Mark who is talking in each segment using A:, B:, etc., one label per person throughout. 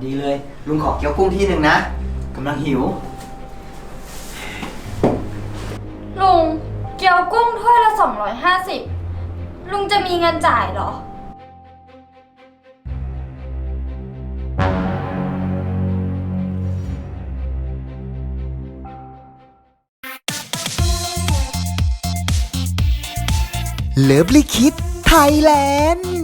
A: ดีเลยลุงขอเกี๊ยวกุ้งที่หนึ่งนะกำลังหิว
B: ลุงเกี๊ยวกุ้งถ้วยละ250ลุงจะมีเงินจ่ายเหรอ
C: เลิฟลิคิดไทยแลนด์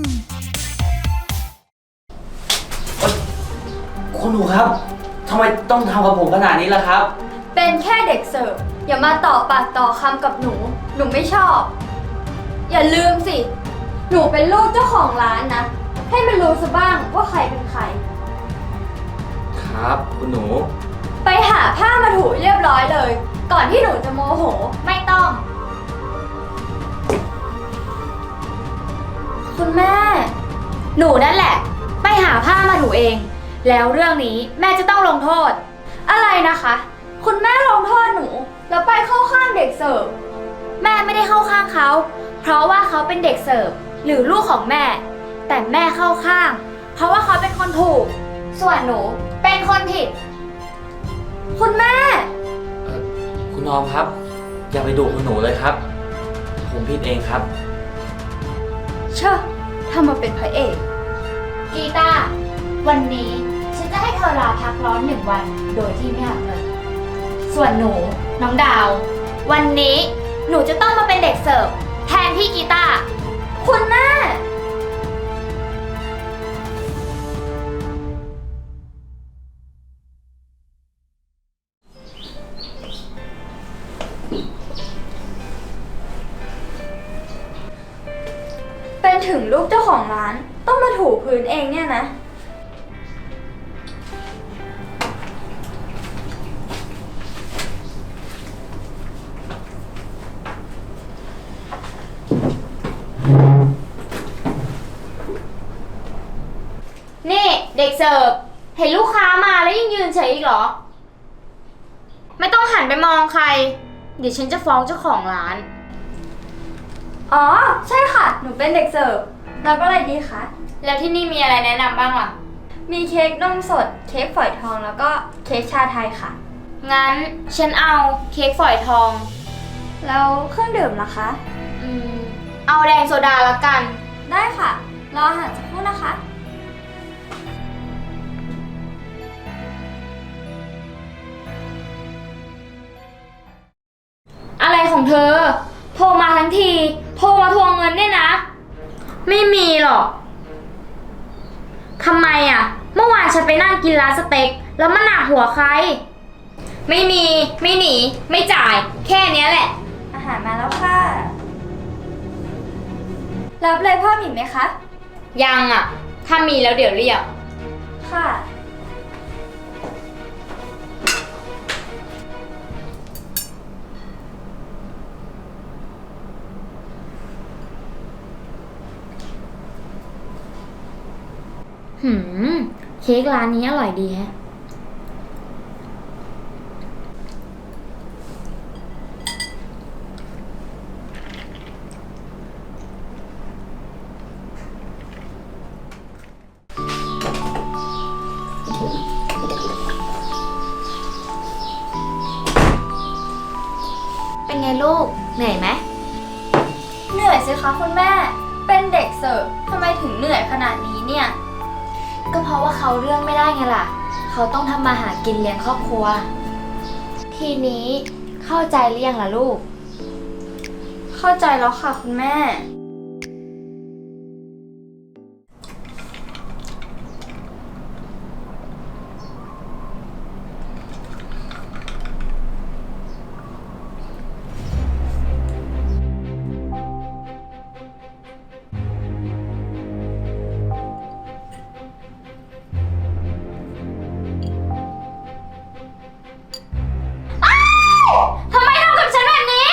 A: คุณหนูครับทำไมต้องทำกับผมขนาดนี้ล่ะครับ
B: เป็นแค่เด็กเสิร์ฟอย่ามาต่อปากต่อคำกับหนูไม่ชอบอย่าลืมสิหนูเป็นลูกเจ้าของร้านนะให้มันรู้ซะบ้างว่าใครเป็นใคร
A: ครับคุณหนู
B: ไปหาผ้ามาถูเรียบร้อยเลยก่อนที่หนูจะโมโหไม่ต้องคุณแม่
D: หนูนั่นแหละไปหาผ้ามาถูเองแล้วเรื่องนี้แม่จะต้องลงโทษ
B: อะไรนะคะคุณแม่ลงโทษหนูแล้วไปเข้าข้างเด็กเสิร์ฟ
D: แม่ไม่ได้เข้าข้างเขาเพราะว่าเขาเป็นเด็กเสิร์ฟหรือลูกของแม่แต่แม่เข้าข้างเพราะว่าเขาเป็นคนถูกส่วนหนูเป็นคนผิด
B: คุณแม่
A: คุณออมครับอย่าไปดุคุณหนูเลยครับผมผิดเองครับ
B: เช่อทำมาเป็นพระเอก
D: กีตาร์วันนี้ฉันจะให้เธอลาพักร้อน1 วันโดยที่ไม่หักเงินส่วนหนูน้องดาววันนี้หนูจะต้องมาเป็นเด็กเสิร์ฟแทนพี่กีตาร์
B: คุณแม่เป็นถึงลูกเจ้าของร้านต้องมาถูพื้นเองเนี่ยนะ
D: นี่เด็กเสิร์ฟเห็นลูกค้ามาแล้วยังยืนเฉยอีกเหรอไม่ต้องหันไปมองใครเดี๋ยวฉันจะฟ้องเจ้าของร้าน
B: อ๋อใช่ค่ะหนูเป็นเด็กเสิร์ฟรับอะไรดีคะ
D: แล้วที่นี่มีอะไรแนะนำบ้างล่ะ
B: มีเค้กนมสดเค้กฝอยทองแล้วก็เค้กชาไทยค่ะ
D: งั้นฉันเอาเค้กฝอยทอง
B: แล้วเครื่องดื่มล่ะคะ
D: เอาแดงโซดาละกัน
B: ได้ค่ะรออาหารสักครู่นะคะ
D: อะไรของเธอโทรมาทั้งทีโทรมาทวงเงินเนี่ยนะไม่มีหรอกทำไมอ่ะเมื่อวานฉันไปนั่งกินร้านสเต็กแล้วมันหนักหัวใครไม่มีไม่หนีไม่จ่ายแค่นี้แหละ
B: อาหารมาแล้วค่ะรับอะไรเพิ่มอีกไหมคะ
D: ยังอ่ะถ้ามีแล้วเดี๋ยวเรียก
B: ค่ะ
D: เค้กร้านนี้อร่อยดีแฮะเป็นไงลูกเหนื่อยไหม
B: เหนื่อยสิคะคุณแม่เป็นเด็กเสิร์ฟทำไมถึงเหนื่อยขนาดนี้เนี่ย
D: ก็เพราะว่าเขาเรื่องไม่ได้ไงล่ะเขาต้องทำมาหากินเลี้ยงครอบครัวทีนี้เข้าใจหรือยังล่ะลูก
B: เข้าใจแล้วค่ะคุณแม่
D: ทำไมทำกับฉันแบบนี้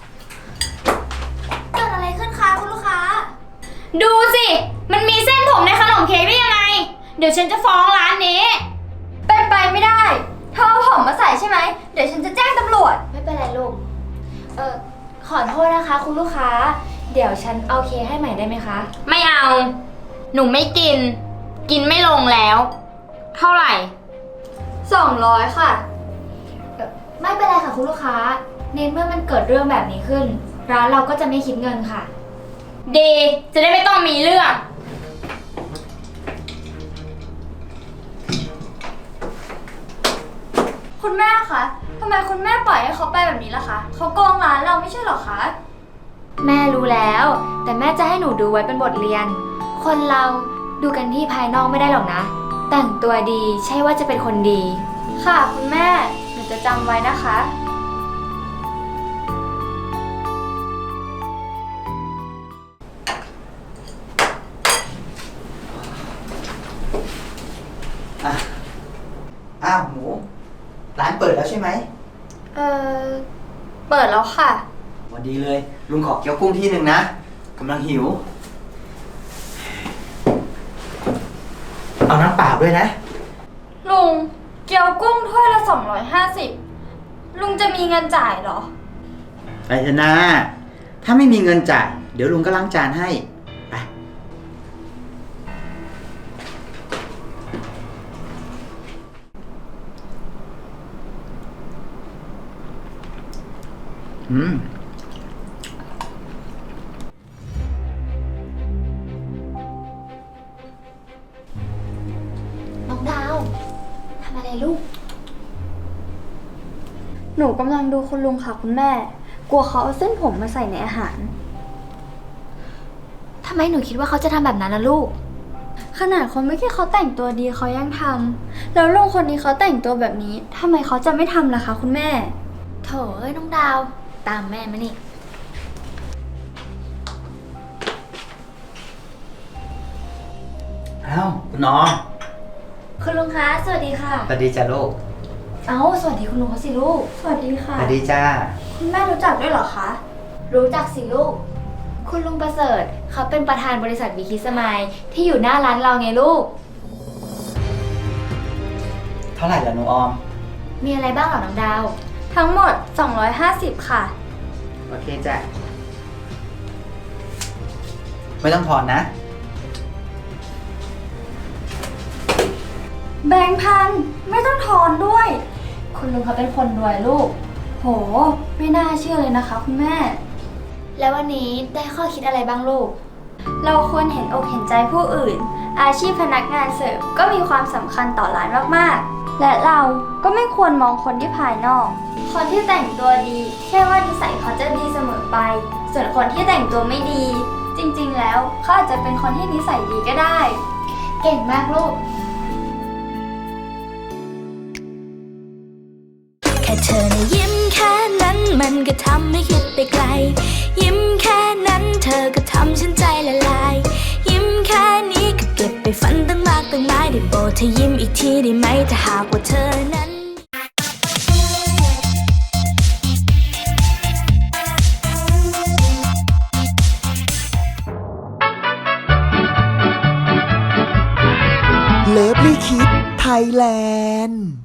B: เกิดอะไรขึ้นคะคุณลูกค้า
D: ดูสิมันมีเส้นผมในขนมเค้กได้ยังไงเดี๋ยวฉันจะฟ้องร้านนี้
B: เป็นไปไม่ได้เธอเอาผมมาใส่ใช่ไหมเดี๋ยวฉันจะแจ้งตำรวจ
D: ไม่เป็นไรลูกขอโทษนะคะคุณลูกค้าเดี๋ยวฉันเอาเค้กให้ใหม่ได้ไหมคะไม่เอาหนูไม่กินไม่ลงแล้วเท่าไหร่
B: 200 ค่ะ
D: ไม่เป็นไรค่ะคุณลูกค้าในเมื่อมันเกิดเรื่องแบบนี้ขึ้น ร้านเราก็จะไม่คิดเงินค่ะ ดีจะได้ไม่ต้องมีเรื่อง
B: คุณแม่คะทำไมคุณแม่ปล่อยให้เขาไปแบบนี้ล่ะคะเขาโกงร้านเราไม่ใช่เหรอคะ
D: แม่รู้แล้ว แต่แม่จะให้หนูดูไว้เป็นบทเรียน คนเราดูกันที่ภายนอกไม่ได้หรอกนะ แต่งตัวดีใช่ว่าจะเป็นคนดี
B: ค่ะคุณแม่ หนูจะจำไว้นะคะ
E: อ่ะอ้าวหมู ร้านเปิดแล้วใช่ไหม
B: เออเปิดแล้วค่ะ
E: วันดีเลย ลุงขอเกี๊ยวกุ้งที่หนึ่งนะกำลังหิว เอาน้ำเปล่าด้วยนะ
B: ลุง เกี๊ยวกุ้งถ้วยละ250ลุงจะมีเงินจ่ายเหรอ
E: ไปเถอะนะ ถ้าไม่มีเงินจ่าย เดี๋ยวลุงก็ล้างจานให้ ไป อืม
D: น้องดาวทำอะไรลูก
B: หนูกำลังดูคุณลุงค่ะคุณแม่ กลัวเขาเอาเส้นผมมาใส่ในอาหาร
D: ทำไมหนูคิดว่าเขาจะทำแบบนั้นล่ะลูก
B: ขนาดคนเมื่อกี้เขาแต่งตัวดีเขายังทำแล้วลุงคนนี้เขาแต่งตัวแบบนี้ทำไมเขาจะไม่ทำล่ะคะคุณแม่
D: โถเอ้ยน้องดาว ตามแม่มานี่
E: อ้าวคุณน้อง
D: คุณลุงคะ สวัสดีค่ะ
E: สวัสดีจ้าลูก
D: เอ้า สวัสดีคุณลุงเขาสิลูก
B: สวัสดีค่ะ
E: สวัสดีจ้า
B: คุณแม่รู้จักด้วยเหรอคะ
D: รู้จักสิลูก คุณลุงประเสริฐเขาเป็นประธานบริษัทบีคิสมายที่อยู่หน้าร้านเราไงลูก
E: เท่าไหร่ล่ะหนูออม
D: มีอะไรบ้างเหรอน้องดาว
B: ทั้งหมด250ค่ะ
E: โอเคจ้ะ ไม่ต้องถอนนะ
B: แบงค์พันไม่ต้องทอนด้วย
D: คุณลุงเขาเป็นคนรวยลูก
B: โห ไม่น่าเชื่อเลยนะคะคุณแม่
D: แล้ววันนี้ได้ข้อคิดอะไรบ้างลูก
B: เราควรเห็นอกเห็นใจผู้อื่น อาชีพพนักงานเสิร์ฟก็มีความสำคัญต่อร้านมากๆ และเราก็ไม่ควรมองคนที่ภายนอก คนที่แต่งตัวดีแค่ว่านิสัยเขาจะดีเสมอไป ส่วนคนที่แต่งตัวไม่ดี จริงๆ แล้วเขาอาจจะเป็นคนที่นิสัยดีก็ได้
D: เก่งมากลูก
F: แค่เธอนะยิ้มแค่นั้นมันก็ทำให้คิดไปไกล ยิ้มแค่นั้นเธอก็ทำฉันใจละลาย ยิ้มแค่นี้ก็เก็บไปฝันตั้งมากตั้งหลายได้โปรดเธอยิ้มอีกทีได้ไหมถ้าหากว่าเธอนั้น
C: เลิฟลี่คิดไทยแลนด์